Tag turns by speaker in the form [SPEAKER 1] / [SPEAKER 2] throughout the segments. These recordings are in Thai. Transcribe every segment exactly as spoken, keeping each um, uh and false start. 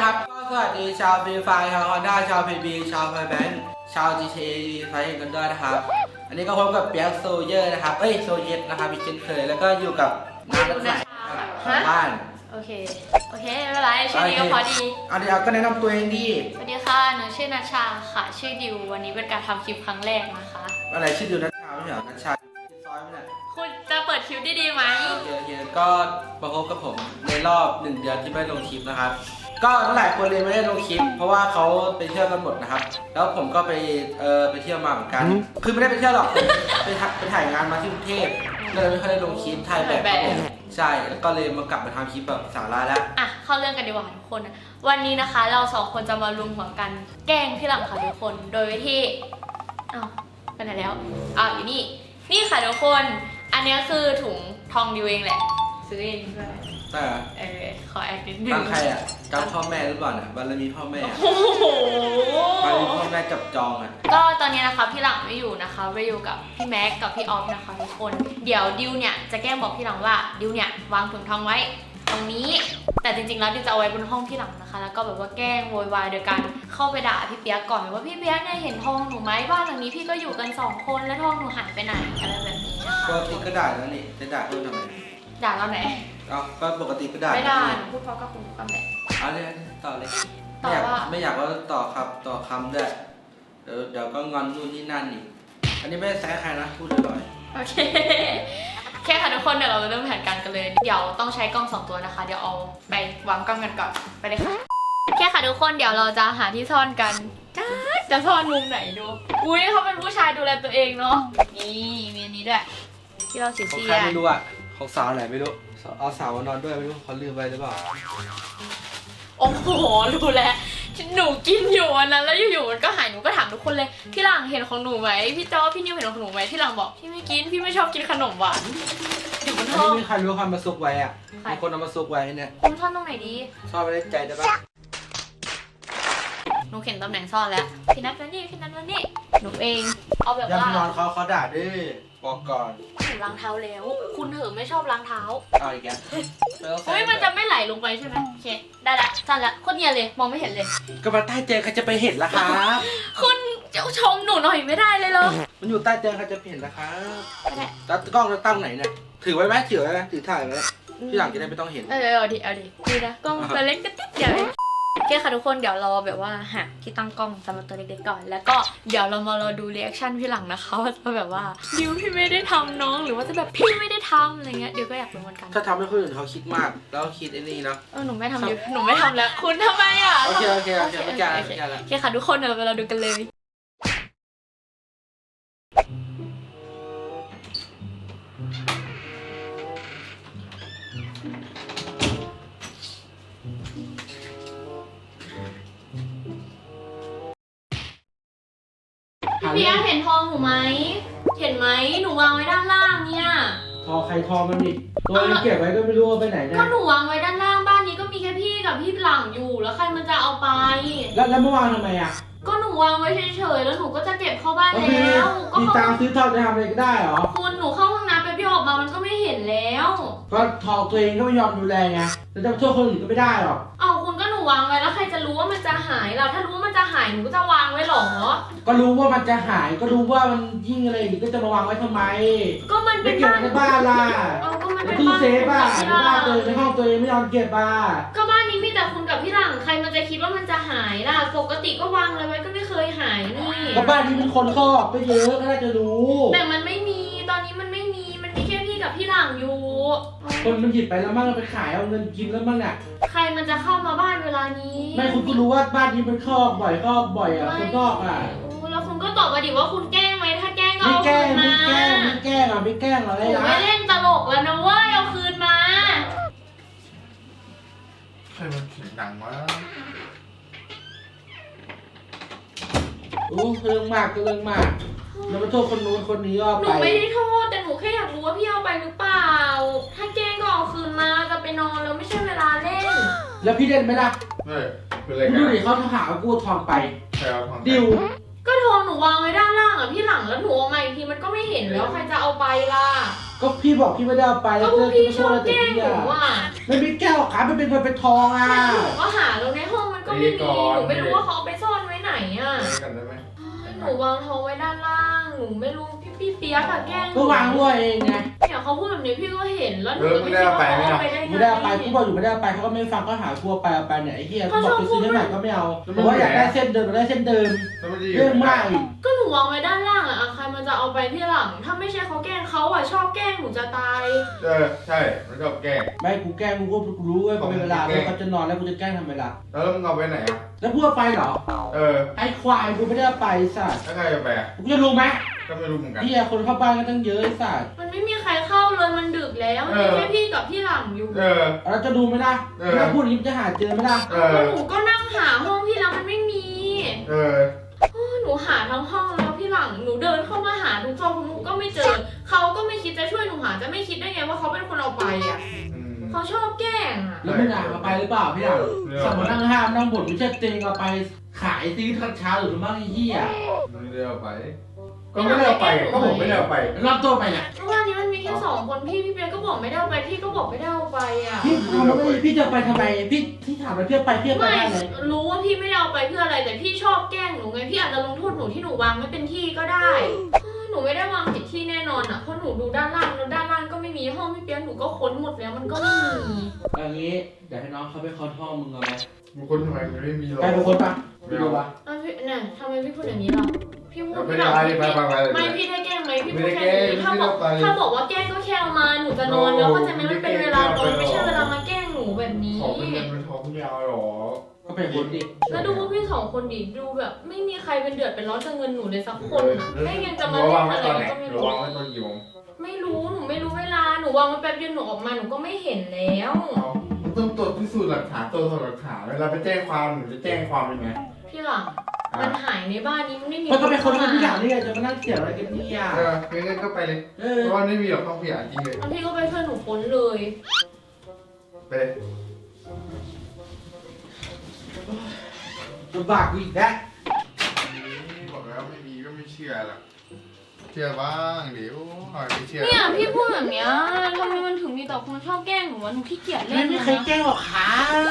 [SPEAKER 1] นะครับก็สวัสดีชาวฟรีไฟชาวฮอนด้าชาวพีบีชาวไฟแบงค์ชาว จี ที เอ ไฟกันด้วยนะครับอันนี้ก็พบกับเปียกโซเยอร์นะครับเอ้ยโซเยตนะครับอีกเช่นเคยแล้วก็อยู่กับน้ำนักใหม่ของบ้าน
[SPEAKER 2] โอเคโอเคไม่เป็นไรชื่อนี้ก็พอดี
[SPEAKER 1] เอาเดี๋ยวก็แนะนำตัวเองดี
[SPEAKER 2] สวัสดีค่ะหนูชื่อนัชชาค่ะชื่อดิววันนี้เป็นการทำคลิปครั้งแรกนะคะ
[SPEAKER 1] อะไรชื่อดิวนัชชาไม่ใช่เหรอนัชชาชื่อซอยไม่ใช่
[SPEAKER 2] คุณจะเปิดคลิปดีๆไหม
[SPEAKER 1] โอเคโอเคก็มาพบกับผมในรอบหนึ่งเดือนที่ไม่ลงคลิปนะครับก็หลายคนเลยไม่ได้ลงคลิปเพราะว่าเขาไปเที่ยวกันหมดนะครับแล้วผมก็ไปเออไปเที่ยวมาเหมือนกันคือไม่ได้ไปเที่ยวหรอกไปไปถ่ายงานมาที่กรุงเทพเลยไม่ค่อยได้ลงคลิปถ่ายแบบใช่แล้วก็เลยมากลับมาทำคลิปแบบสาระแล้ว
[SPEAKER 2] อ่ะเข้าเรื่องกันดีกว่าทุกคนวันนี้นะคะเราสองคนจะมารวมหัวกันแกล้งพี่หลังค่ะทุกคนโดยวิธีอ้าวไปไหนแล้วอ้าวอยู่นี่นี่ค่ะทุกคนอันนี้คือถุงทองดิวเองแหละซื้อเองด้วย
[SPEAKER 1] แต่
[SPEAKER 2] เออขอแอคนิดนึง
[SPEAKER 1] ตั้งใครอ่ะจำพ่อแม่หรือเปล่าเนี่ยบารมีพ่อแม่
[SPEAKER 2] โอ้โห
[SPEAKER 1] บารมีพ่อแม่จับจองอ่ะ
[SPEAKER 2] ก็ตอนนี้นะคะพี่หลังไม่อยู่นะคะไปอยู่กับพี่แม็กกับพี่ออฟนะคะทุกคนเดี๋ยวดิวเนี่ยจะแกล้งบอกพี่หลังว่าดิวเนี่ยวางถุงทองไว้ตรงนี้แต่จริงๆแล้วดิวจะเอาไว้บนห้องพี่หลังนะคะแล้วก็แบบว่าแกล้งโวยวายโดยการเข้าไปด่าพี่เปียกก่อนว่าพี่เปียกเนี่ยเห็นทองหนูไหมบ้านหลังนี้พี่ก็อยู่กันสองคนแล้วทองหนูหายไปไหนอะไรแบบนี้
[SPEAKER 1] ปกติก็ด่าแล้วนี่จะด่าเพิ่มทำไม
[SPEAKER 2] ด่าเราไหน
[SPEAKER 1] อ๋อก็ปกติก็ด่า
[SPEAKER 2] ไม่ด่าหนูพูดเพราะกับคุณคำแหละ
[SPEAKER 1] เอาเลยต่อเลยไม่อยากไม่อยากว่าต่อครับต่อคำด้วยเดี๋ยวเดี๋ยวก็งอนนู่นนี่นั่นอีกอันนี้ไม่ได้แซะใครนะพูดลอย
[SPEAKER 2] ๆโอเคแค่ค่ะทุกคนเดี๋ยวเราเริ่มแผนการกันเลยเดี๋ยวต้องใช้กล้องสองตัวนะคะเดี๋ยวเอาไปวางกล้องกันก่อนไปเลยค่ะแค่ค่ะทุกคนเดี๋ยวเราจะหาที่ซ่อนกันจ้าจะซ่อนมุมไหนดูอุ้ยเขาเป็นผู้ชายดูแลตัวเองเนาะนี่มีอันนี้ด้วยที่เราสีเสีย
[SPEAKER 1] ใครไม่รู้อ่ะของสาวไหนไม่รู้เอาสาวมานอนด้วยไม่รู้เขาลืมไปหรือเปล่า
[SPEAKER 2] โอ้โหรู้แล้วหนูกินอยู่วันนั้นแล้วอยู่ๆมันก็หายหนูก็ถามทุกคนเลยพี่หลังเห็นของหนูไหมพี่จอพี่นิวเห็นของหนูไหมพี่หลังบอกพี่ไม่กินพี่ไม่ชอบกินขนมหวานอยู่บนห้อง
[SPEAKER 1] ไม่มีใครรู้ความมาซุกไว้อ่ะมีคนเอามาซุกไว้เนี่ย
[SPEAKER 2] คุณซ่อนตรงไหนดี
[SPEAKER 1] ซ่อนไว้ในใจได้ปะ
[SPEAKER 2] หนูเห็นตำแหน่งซ่อนแล้วพี่นัทมานี่พี่นัทมานี่หนูเองเอาแบบว่า
[SPEAKER 1] ยังนอนเขาเขาด่าด้วยบอกก่อน
[SPEAKER 2] หนูล้างเท้าแล้วคุณเถอะไม่ชอบล้างเท้า
[SPEAKER 1] เอาอีกแล้ว
[SPEAKER 2] เฮ้ยมันจะไม่ไหลลงไปใช่ไหมโอเคได้ละสั้นละโคตรเนียนเลยมองไม่เห็นเลย
[SPEAKER 1] ก็มาใต้เตียงใครจะไปเห็นล่ะครับ
[SPEAKER 2] คุณจะชมหนูหน่อยไม่ได้เลยเหรอ
[SPEAKER 1] มันอยู่ใต้เตียงใครจะเห็นล่ะครับแล้วกล้องจะตั้งไหนเนี่ยถือไว้ไหมถือไว้ไหมถือถ่ายไว้ที่หลังจะได้ไม่ต้องเห็น
[SPEAKER 2] เออเอาดิเอาดิดีนะกล้องตัวเล็กก็ติ๊กเดียวโอเคค่ะทุกคนเดี๋ยวเราแบบว่าหาที่ตั้งกล้องสำหรับตัวเล็กๆก่อนแล้วก็เดี๋ยวเรามาเราดูรีแอคชั่นพี่หลังนะคะว่าจะแบบว่าดิวพี่ไม่ได้ทำน้องหรือว่าจะแบบพี่ไม่ได้ทำอะไรเงี้ยเดี๋ยวก็อยากรู้เหมือนกัน
[SPEAKER 1] ถ้าทำให้คนอื่นเขาคิดมากแล้วคิดไอ้นี่นะ
[SPEAKER 2] เออหนูไม่ทำดิวหนูไม่ทำแล้วคุณทำไมอ่ะ
[SPEAKER 1] โอเคโอเคโอเคไม่จ่ายไม่จ่ายแล้ว
[SPEAKER 2] โอเคค่ะทุกคนเดี๋ยวเราดูกันเลยพี่เบียร์เห็นทองหนูไหมเห็นไหมหนูวางไว้ด้านล่างเนี่ย
[SPEAKER 1] ทองใครทองมันดิตัวมันเก็บไว้ก็ไม่รู้ว่าไปไหนได้
[SPEAKER 2] ก็หนูวางไว้ด้านล่างบ้านนี้ก็มีแค่พี่กับพี่หลังอยู่แล้วใครมันจะเอาไป
[SPEAKER 1] แล้วแล้วเมื่อวานทำไมอ่ะ
[SPEAKER 2] ก็หนูวางไว้เฉยๆแล้วหนูก็จะเก็บเข้าบ้านแล้ว
[SPEAKER 1] ก็มีตังค์ซื้อทองจะทำอะไรก็ได้เหรอ
[SPEAKER 2] คุณหนูเข้าห้องน้ำไปพี่ออกมามันก็ไม่เห็นแล้ว
[SPEAKER 1] ก็ทองตัวเองก็ไม่ยอมดูแลไงแล้วจะโทษคนอื่นก็ไม่ได้หรอก
[SPEAKER 2] เอาคุณก็หนูวางไว้แล้วใครจะรู้ว่ามันจะหายเราถ้ารู้ว่ามันจะหายหนูก็จะวางไว้หรอ
[SPEAKER 1] ก็รู้ว่ามันจะหายก็รู้ว่ามันยิ่งอะไรอีกก็จะมาวางไว้ทำไม
[SPEAKER 2] ก็มันเป็น
[SPEAKER 1] บ้านในบ้านล่ะในตู้เซฟอ่ะในบ้านตัวเองในห้องตัวเองไม่ยอมเก็บอ่ะ
[SPEAKER 2] ก็บ้านนี้มีแต่คุณกับพี่หลังใครมันจะคิดว่ามันจะหายล่ะปกติก็วางเลยไว้ก็ไม่เคยหายนี่
[SPEAKER 1] ก็บ้านนี้มันคนครอบไปเยอะก็น่าจะรู้
[SPEAKER 2] แต่มันไม่มีตอนนี้มันไม่มีมันมีแค่พี่กับพี่หลังอยู่
[SPEAKER 1] คนมันหยิบไปแล้วมั่งเอาไปขายเอาเงินกินแล้วมั่งอ่ะ
[SPEAKER 2] ใครมันจะเข้ามาบ้านเวลานี้
[SPEAKER 1] ไม่คุณก็รู้ว่าบ้านนี้มันครอบบ่อยครอบบ่อยอ่ะคนนอกอ่ะ
[SPEAKER 2] แล้วคุณก็ตอบมาดิว่าคุณแกล้งไหมถ้าแกล้งก็เอาคืนมา
[SPEAKER 1] ไม่แกล้งไม่แกล้งอ่ะไม่แกล้งอะไร
[SPEAKER 2] นะไม่เล่นตลกแล้วนะเว้ยเอาคืนมา
[SPEAKER 3] ใครมันเสียงดังวะ
[SPEAKER 1] โอ้เรื่องมากก็เรื่องมากแล้วมาโทษคนนู้นคนนี้เอาไป
[SPEAKER 2] หนูไม่ได้โทษแต่หนูแค่อยากรู้ว่าพี่เอาไปหรือเปล่าถ้าแกล้งก็เอาคืนมาจะไปนอนแล้วไม่ใช่เวลาเล่น
[SPEAKER 1] แล้วพี่เล่นไหมล่ะ
[SPEAKER 3] เฮ้ยเป็นไร
[SPEAKER 1] กันดูดิเขาหาว่ากูทองไปดิว
[SPEAKER 2] ก็ทองหนูวางไว้ด้านล่างอ่ะพี่หลังแล้วหนูเอามาอีกทีมันก็ไม่เห็นแล้วใครจะเอาไปล่ะ
[SPEAKER 1] ก็พี่บอกพี่ไม่ได้เอาไป
[SPEAKER 2] แล้วพี่ชอบแกล้งหนูอ่ะ
[SPEAKER 1] ไม่เป็นแก้วขาไม่เป็นเงินเป็นทองอ่ะ
[SPEAKER 2] หนูก็หาแล้วในห้องมันไม่มีหนูไม่รู้ว่าเขาเอาไปซ่อนไว้ไหนอ่ะ
[SPEAKER 3] ไปกันได้ไหม
[SPEAKER 2] หนูวางทองไว้ด้านล่างหนูไม่รู้พี่พี่เปียกอะแกล้งหนู
[SPEAKER 1] ก็วางด้วยเองไง
[SPEAKER 2] เนี่ยเขาพูดแบบนี้พี่ก็เห็นแล้วหนูไม่คิดว่าเขาเอาไปได้ไง
[SPEAKER 1] ไม่ได้เอาไปกูบอกอยู่ไม่ได้เอาไปเขาก็ไม่ฟังก็หาทัวไปเอาไปเนี่ยไอ้เหี้ยกูบอกไปซื้อได้ไหนก็ไม่เอาเพราะว่าอยากได้เส้นเดิมอยากได้เส้นเดิม
[SPEAKER 3] แล้วมันจะอยู่
[SPEAKER 1] เรื่องมากอีก
[SPEAKER 2] ก็หนูวางไว้ด้านล่างอะใครมันจะเอาไปที่หลังถ้าไม่ใช่เขาแกล้งเขาอะชอบแกล้งหนูจะตาย
[SPEAKER 3] เออใช่มันก็แกล้ง
[SPEAKER 1] ไม่กูแกล้งกูก็รู้ว่าเป็นเวลาเวลาเขาจะนอนแล้วกูจะแกล้งทำเวลา
[SPEAKER 3] แล้วมึงเอาไปไหนอ่ะ
[SPEAKER 1] แล้วพูดไปเหรอ
[SPEAKER 3] เออ
[SPEAKER 1] ไอ้ควายกูไม่ได้เอาไปสัตว์
[SPEAKER 3] แล้วใครจะไปอ่ะ
[SPEAKER 1] กูจะรู้ไหม
[SPEAKER 3] ก็ไม่รู้เหมือนกัน
[SPEAKER 1] พี่คนเข้าบ้านก็ตั้งเยอะไอ้สัตว์
[SPEAKER 2] มันไม่มีใครเข้าเลยมันดึกแล้วมีแค่พี่กับพี่หลังอยู่
[SPEAKER 3] เออ
[SPEAKER 1] เราจะดูไหมล่ะถ้าพูดอย่างนี้จะหาเจอไหมล่ะ
[SPEAKER 3] เอ
[SPEAKER 2] ก็
[SPEAKER 3] อ
[SPEAKER 2] หนูก็นั่งหาห้องพี่แล้วมันไม่มี
[SPEAKER 3] เออ
[SPEAKER 2] หนูหาทั้งห้องแล้วพี่หลังหนูเดินเข้ามาหาทุกซอกทุกมุมก็ไม่เจอเขาก็ไม่คิดจะช่วยหนูหาจะไม่คิดได้ไงว่าเขาเป็นคนเอาไปอ่ะ
[SPEAKER 3] อืม
[SPEAKER 2] เขาชอบแกล้งอ่ะ
[SPEAKER 1] แล้วมึงอ่านเอาไปหรือเปล่าพี่หลังสมมตินั่งห้ามนั่งบ่นไม่ใช่เต็งเอาไปขายซื้อทันเช้าหรือมั่งไอ้เหี้ย
[SPEAKER 3] ไม่ได้เอาไป ก็ไม่ได้เอาไปก็ผมไม่ได้เอาไป
[SPEAKER 1] รอบตัวไปเนี่ย
[SPEAKER 2] เมื่อวานนี้มันมีแค่สองคนพี่พี่เบียร์ก็บอกไม่ได้เอาไปพี่ก็บอกไม่ได้เอาไปอ่ะ
[SPEAKER 1] พี่ทำไมพี่จะไปทำไมพี่ที่ถามไปเพื่อไปเพื่อไป
[SPEAKER 2] ไม่
[SPEAKER 1] ได้เลย
[SPEAKER 2] รู้ว่าพี่ไม่ได้เอาไปเพื่ออะไรแต่พี่ชอบแกล้งหนูไงพี่อาจจะลงโทษหนูที่หนูวางไม่เป็นที่ก็ได้หนูไม่ได้วางผิดที่แน่นอนอ่ะเพราะหนูดูด้านล่างแล้วด้านล่างก็ไม่มีห้องพี่เปียกหนูก็ค้นหมดแล้วมันก็ไม่มี
[SPEAKER 1] อย่างนี้เดี๋ยวให้น้องเขาไปเคาะห้องมึงเอาไหม
[SPEAKER 3] บางคนทำไมมันไม่มีหรอก
[SPEAKER 1] ไปเป็นคนปะไปดูปะ
[SPEAKER 2] อ่ะพี่เนี่ยทำไมพี่พูดอย่างนี้ล่ะพี่พูด
[SPEAKER 3] ไม่
[SPEAKER 2] พี่
[SPEAKER 3] ได้
[SPEAKER 2] หลัง
[SPEAKER 3] ไปไปไป
[SPEAKER 2] ไม่พี่ได้แกล้งไหมพี่พูด
[SPEAKER 3] ไม่ได้
[SPEAKER 2] แค่
[SPEAKER 3] แกล้ง
[SPEAKER 2] นี้ถ้าบอก
[SPEAKER 3] ไม่ได้ไป
[SPEAKER 2] ถ้าบอกว่าแกล้งก็แค่เอามาหนูจะนอนแล้วเข้าใจไหมมันเป็นเวลานอนไม่ใช่เวลามาแกล้งหนูแบบนี้
[SPEAKER 3] ของเป็นเงินเป็นทองไม่เอาหรอ
[SPEAKER 1] ก็เป็นคนดิ
[SPEAKER 2] แล้วดูพวกพี่สองคนดิดูแบบ ไม่มีใครเป็นเดือดเป็นร้อนจากเงินหนูเลยสักคนอะแม่งยังจะมา
[SPEAKER 3] ระ
[SPEAKER 2] เล่
[SPEAKER 3] วัง
[SPEAKER 2] น
[SPEAKER 3] ไว้
[SPEAKER 2] อะไร
[SPEAKER 3] ตอนไหน
[SPEAKER 2] ก็ไม่
[SPEAKER 3] ระ
[SPEAKER 2] รู้
[SPEAKER 3] วังไว้ตอนกี่โมง
[SPEAKER 2] ไม่รู้หนูไม่รู้เวลาหนูวางไว้แป๊บเดียวหนูออกมาหนูก็ไม่เห็นแล้ว
[SPEAKER 3] เอาต้องตรวจพิสูจน์หลักฐานตรวจสอบหลักฐานเวลาไปแจ้งความหนูจะแจ้งความเป็นไง
[SPEAKER 2] พี่หลังมันหายในบ้านนี้มันไม่มี
[SPEAKER 1] มันก็เป็นคนที่พี่หลังนี่ไงจะมานั่งเสียอะไรกันเนี่ย
[SPEAKER 3] เอองั้นก็ไปเลย
[SPEAKER 1] เออ
[SPEAKER 3] เพราะว่าไม่มีหรอกห้องขยะจริงเลย
[SPEAKER 2] แล้วพี่ก็ไปช่วยหนูค้นเลย
[SPEAKER 3] ไปเลย
[SPEAKER 1] ลำบากกูอีกแล้ว
[SPEAKER 3] บอกแล้วไม่มีก็ไม่เชื่อหรอกเชื่อบ้างเดี๋ยวหน่อยไม่เชื่อ
[SPEAKER 2] เนี่ยพี่พูดแบบเนี้ยทำไมมันถึงมีแต่คนชอบแกล้งหนูวะหนูขี้เกียจเล่
[SPEAKER 1] ไม่
[SPEAKER 2] น
[SPEAKER 1] มีใครแกล้งหรอกครับ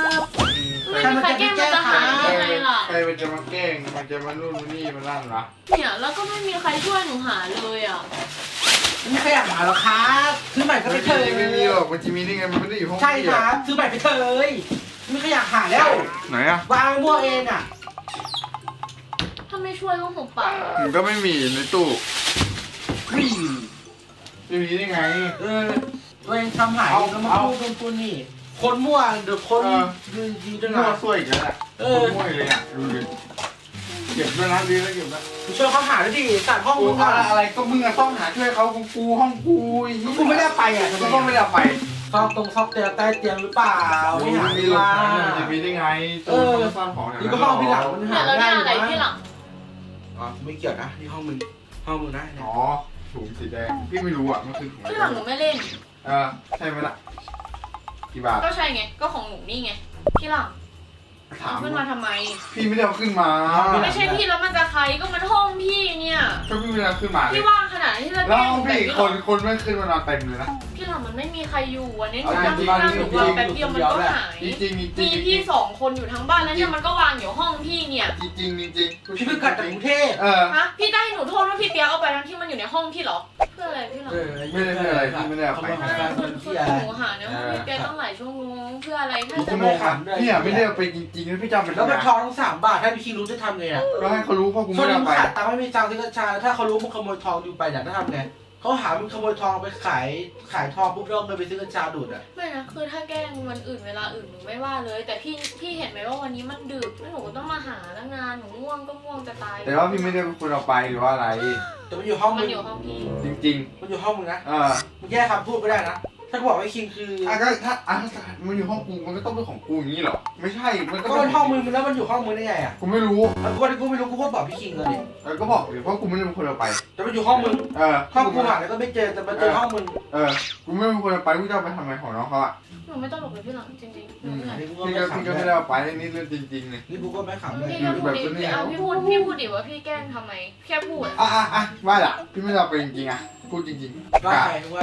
[SPEAKER 2] ไม่มีใครแกล้งมันจะหาย
[SPEAKER 3] ใคร
[SPEAKER 2] ยังไงล่ะ
[SPEAKER 3] ใครมันจะมาแกล้งมันจะมานู่นมานี่มานั่นวะ
[SPEAKER 2] เนี่ยแล้วก็ไม่มีใครช่วยหนูหาเลยอ่ะ
[SPEAKER 1] ไม่มีใครอยากหาหรอกครับซื้อใหม่ก็ไปเถอะ
[SPEAKER 3] ไม่มีหรอกมันจะมีได้ไงมันไม่ได้อยู่ห้อง
[SPEAKER 1] ใช่ครับซื้อใหม่ไปเถอะไม่มีใครอยากหาแล้ว
[SPEAKER 3] ไหนอ่ะ
[SPEAKER 1] วางมั่วเองอ่ะ
[SPEAKER 2] ถ้าไม่ช่วยก็หุบปาก
[SPEAKER 3] มันก็ไม่มีในตู้
[SPEAKER 1] วิ่ง
[SPEAKER 3] จะมีได้ไง
[SPEAKER 1] เออตัวเองทำหาย
[SPEAKER 3] เอา
[SPEAKER 1] แล้วมา
[SPEAKER 3] เอา
[SPEAKER 1] พูดเป็นคนนี่ คนมั่วเดี๋ยวคน
[SPEAKER 3] เออ
[SPEAKER 1] ดีดีจั
[SPEAKER 3] จะ
[SPEAKER 1] ง
[SPEAKER 3] มั่ว
[SPEAKER 1] นะ
[SPEAKER 3] ซวยอีกแล้วแหละ
[SPEAKER 1] เออ
[SPEAKER 3] มั่วเลยอ่ะดูดิเก็บด้วยนะดีแล้วเก็บนะ
[SPEAKER 1] กูช่วยเขาหาด้วยดิตัดห้อง
[SPEAKER 3] กู
[SPEAKER 1] มึง
[SPEAKER 3] อะ
[SPEAKER 1] อ่ะ
[SPEAKER 3] อะไรก็มึงอะต้องหาช่วยเขากูกูห้องกูอี
[SPEAKER 1] กูไม่ได้ไปอ่ะทำไม
[SPEAKER 3] ก็ต้องไม่ได้ไป
[SPEAKER 1] ซอกตรงซอกเตียงใต้เตียงหรือเปล่าไม่หา
[SPEAKER 3] มี
[SPEAKER 1] ไม่
[SPEAKER 3] หลัก
[SPEAKER 1] มา
[SPEAKER 3] ฐานมันจะมีได้ไงตัวมันซ่อนของอย่าง
[SPEAKER 1] นี่
[SPEAKER 3] นั้น
[SPEAKER 1] ก็ห้องพี่หลังมัน
[SPEAKER 2] เนี่
[SPEAKER 1] หาย
[SPEAKER 2] แล้ว
[SPEAKER 1] ง่า
[SPEAKER 2] เนี่ย
[SPEAKER 1] ย
[SPEAKER 2] อะไร
[SPEAKER 1] อยู่
[SPEAKER 2] พี่หลั
[SPEAKER 1] นะ
[SPEAKER 2] ง
[SPEAKER 1] อ๋อไม่เกี่ยวนะนี่ห้องมึงห้องมึงนะ
[SPEAKER 3] อ๋อถุงสีแดงพี่ไม่รู้อ่ะมันคือถุงอะไร
[SPEAKER 2] พี่หลังหนูไม่เล่น
[SPEAKER 3] เออใช่ไหมล่ะกี่บาท
[SPEAKER 2] ก็ใช่ไง ก็ของหนูนี่ไง พี่หลัง
[SPEAKER 3] ถาม
[SPEAKER 2] เอาขึ้นมาทำไม
[SPEAKER 3] พี่ไม่ได้เอาขึ้นมา
[SPEAKER 2] ไม่ใช่พี่แล้วมันจะใครก็มันห้องพี่เนี่ย
[SPEAKER 3] ก็พี่ไม่ได้เอาขึ้นมาเลย
[SPEAKER 2] พี่ว่างขนาดที่จะ
[SPEAKER 3] แล้
[SPEAKER 2] แก
[SPEAKER 3] ว
[SPEAKER 2] ล้ง
[SPEAKER 3] ห้อง
[SPEAKER 2] แบบ
[SPEAKER 3] พี่อีก
[SPEAKER 2] พี่
[SPEAKER 3] คนคนไม่ขึ้นมานอนเต็มเลยนะ
[SPEAKER 2] พี่หลังมันไม่มีใครอยู่วันนี้หนู
[SPEAKER 3] เอา
[SPEAKER 2] นั่ง
[SPEAKER 3] จริงๆ
[SPEAKER 2] นั่งหนูวาง
[SPEAKER 3] จริงๆ
[SPEAKER 2] แป๊บเดียวมันก็หาย
[SPEAKER 3] จริงจริงจริง
[SPEAKER 2] มีพี่สองคนอยู่ทั้งบ้านแล้วเนี่ยมันก็วางอยู่ห้องพี่เนี่ย
[SPEAKER 3] จริงจริงจริง
[SPEAKER 1] พี่เพิ่งกลับจากกรุงเทพ
[SPEAKER 3] เออ
[SPEAKER 2] ฮะ พี่จะให้หนูโทษว่าพี่เปียกเอาไปทั้งที่มันอยู่ในห้องพี่เหรอ เพื่ออะไรพี่หลัง
[SPEAKER 1] เออ
[SPEAKER 3] ไม่ได้เป็นอะไรพี่ไม่ได้เอาไป
[SPEAKER 1] ขโมยของ
[SPEAKER 2] ใช่
[SPEAKER 1] แฟน
[SPEAKER 2] คื
[SPEAKER 1] ค
[SPEAKER 2] อน คือ
[SPEAKER 1] เที่ย
[SPEAKER 2] หนูหาในห้องพี่เปียกตั้งหลายชั่วโมงเพื่ออะไรแค่
[SPEAKER 3] พี่
[SPEAKER 2] จะ
[SPEAKER 3] จะ
[SPEAKER 2] มา
[SPEAKER 3] โมงอ่ะพี่อ่ะไม่ได้เอาไปจริงๆแล้วพี่จำเป็น
[SPEAKER 1] แล้วมัน
[SPEAKER 3] ไง
[SPEAKER 1] ทองทั้งสามบาทถ้าพี่คิงรู้จะทำไงอ่ะ
[SPEAKER 3] ก็ให้เขารู้เพราะกู
[SPEAKER 1] ช่ว
[SPEAKER 3] ไม่
[SPEAKER 1] ง
[SPEAKER 3] ได้
[SPEAKER 1] นี้
[SPEAKER 3] เอา
[SPEAKER 1] มึง
[SPEAKER 3] ไป
[SPEAKER 1] ขาดตังค์ไม่มีตังค์ซื้อกระชาถ้าเขารู้มึงขโมยทองอยู่ไปเนี่ยจะทำไงเขาหามึงขโมยทองไปขายขายทองปุ๊บแล้วเงินไปซื้อกระชาดูดอ่ะ
[SPEAKER 2] ไม่นะคือถ้าแกล้งวันอื่นเวลาอื่นหนูไม่ว่าเลย แต่พี่พี่เห็นไหมว่าวันนี้มันดึกแล้วหนูก็ต้องมาหาแล้วงานหนูง่วงก็ง่วงจะตาย
[SPEAKER 3] แต่ว่าพี่ไม่ได้เป็นคนเอาไปหรือว่าอะไร
[SPEAKER 1] แต่มันอยู่ห้อง
[SPEAKER 2] มั
[SPEAKER 1] มึ
[SPEAKER 2] น
[SPEAKER 1] ง
[SPEAKER 2] อยู่ห้องพี่
[SPEAKER 3] จริง
[SPEAKER 1] มันอยู่ห้องมึงนะ
[SPEAKER 3] ๆเออ
[SPEAKER 1] มึงแยกคำพูดไม่ได้นะถ้าบอกว่าคิงคือ
[SPEAKER 3] อ่ะก็ถ้าอ่ะถ้ามันอยู่ห้องกูมันก็ต้องเป็นของกูอย่างนี้เหรอไม่ใช่มันก็
[SPEAKER 1] ก็มันห้องมึงแล้วมันอยู่ห้องมึงได้ไงอ่ะ
[SPEAKER 3] กูไม่รู้
[SPEAKER 1] แล้วกูกูไม่รู้กูก็บอกพี่คิงเลยดิ
[SPEAKER 3] เออก็บอกเลยเพราะกูไม่ได้เป็นคนเอาไป
[SPEAKER 1] แต่มันอยู่ห้องมึง
[SPEAKER 3] เออ
[SPEAKER 1] ห้องกูหาแล้วก็ไม่เจอแต่มันเจอห้องมึง
[SPEAKER 3] เออกูไม่เป็นคนเอาไปกูจะเอาไปทำไมของน้องเขาอ่ะ
[SPEAKER 2] หนูไม่ตลกเลยพี่หลังจริงๆหนูเหนื่อย
[SPEAKER 1] นี่กูก็
[SPEAKER 3] พี่
[SPEAKER 1] ไม่
[SPEAKER 3] ก็
[SPEAKER 1] ขำ
[SPEAKER 3] พี่ก็
[SPEAKER 1] เล
[SPEAKER 3] ไม่
[SPEAKER 1] ย
[SPEAKER 3] ได้เอาไปนี่เรื่องจริงๆเลย
[SPEAKER 1] นี่กูก็ไม่ขำเลย
[SPEAKER 2] พี่ก็พูดดิพี่เอาพี่พูดพี่พูดดิว่าพี่แกล้งทำไมแค่พูด
[SPEAKER 3] อ่ะอ่ะอ่ะว่าล่ะพี่ไม่ได้เอาไปจริงๆอ่ะพูดจริงๆ
[SPEAKER 1] ว่า
[SPEAKER 3] อ่ะ
[SPEAKER 1] ใครว่าใคร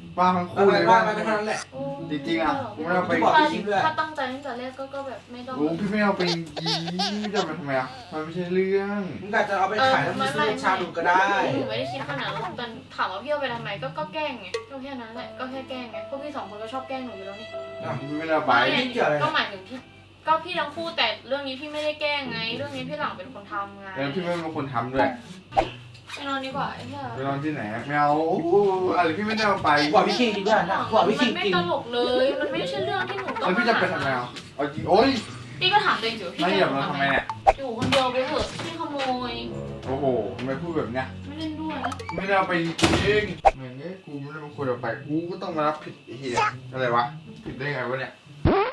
[SPEAKER 3] บ้าทั้ง
[SPEAKER 1] อะ
[SPEAKER 3] คู่
[SPEAKER 1] ไร
[SPEAKER 3] เลย
[SPEAKER 1] ว่า
[SPEAKER 3] ว่า
[SPEAKER 1] ไปก็เท่านั้นแหละ
[SPEAKER 2] โอ้
[SPEAKER 3] จริงๆอะกูไม่เอาไป
[SPEAKER 1] บอก
[SPEAKER 2] ถ้า
[SPEAKER 1] จริงด้วย
[SPEAKER 2] ถ้าตั้งใจตั้งแต่แรกก็ก็แบบไม่ต้อง
[SPEAKER 3] โอ้พี่ไม่เอาไปจริงๆจะไปทำไมอ่ะมันไม่ใช่เรื่อง
[SPEAKER 1] มึงอาจจะเอาไปขายแล้วมึงซื้อรสชาติดูก็ได้
[SPEAKER 2] หนูไม่ได้คิดขนาดนั้นแต่ถามว่าพี่เอาไปทำไมก็ก็แกล้งไงก็แค่นั้นแหละก็แค่แกล้งไงพวกพี่สองคนก็ชอบแกล้งหนูอยู่แล้วนี่
[SPEAKER 3] พี่ไม่ได้เอาไป
[SPEAKER 1] ไม่เกี่ยวอะไร
[SPEAKER 2] ก็หมายถึงพี่ก็พี่ทั้งคู่แต่เรื่องนี้พี่ไม่ได้แกล้งไง เรื่องนี้พี่หลังเป็นคนทำไง
[SPEAKER 3] แล้วพี่ไม่เป็นคนทำด้วย
[SPEAKER 2] ไปนอนดีกว่าไอ้เหี้ย
[SPEAKER 3] ไปนอนที่ไหนไม่เอาโอ้โหอะไรพี่ไม่ได้เอาไป
[SPEAKER 1] กว่าพี่คิงจริงด้วยนะกว่าพี่
[SPEAKER 2] มั
[SPEAKER 1] คิ
[SPEAKER 2] น
[SPEAKER 1] ง
[SPEAKER 2] ไม่
[SPEAKER 1] จริง
[SPEAKER 2] ตลกเลย มันไม่ใช่เรื่องที่หนูต้อ
[SPEAKER 3] แล้
[SPEAKER 2] ง
[SPEAKER 3] วพี่จะไปทำไมอ่ะเอาจริงโอ๊ย
[SPEAKER 2] พี่ก็ถามตัวเองสิว่าพี่
[SPEAKER 3] ไม่เหยียบเราทำไมเนี่ย
[SPEAKER 2] อยู่คนเดียวไปเถอะพี่ขโมย
[SPEAKER 3] โอ้โหทำไมพูดแบบเนี้ย
[SPEAKER 2] ไม่เล่นด้วยนะ
[SPEAKER 3] ไม่ได้เอาไปจริงเหมือนเงี้ยกูไม่ได้เป็นคนเอาไปกูก็ต้องมารับผิดไอ้เหี้ยอะไรวะผิดได้ไงวะเนี่ย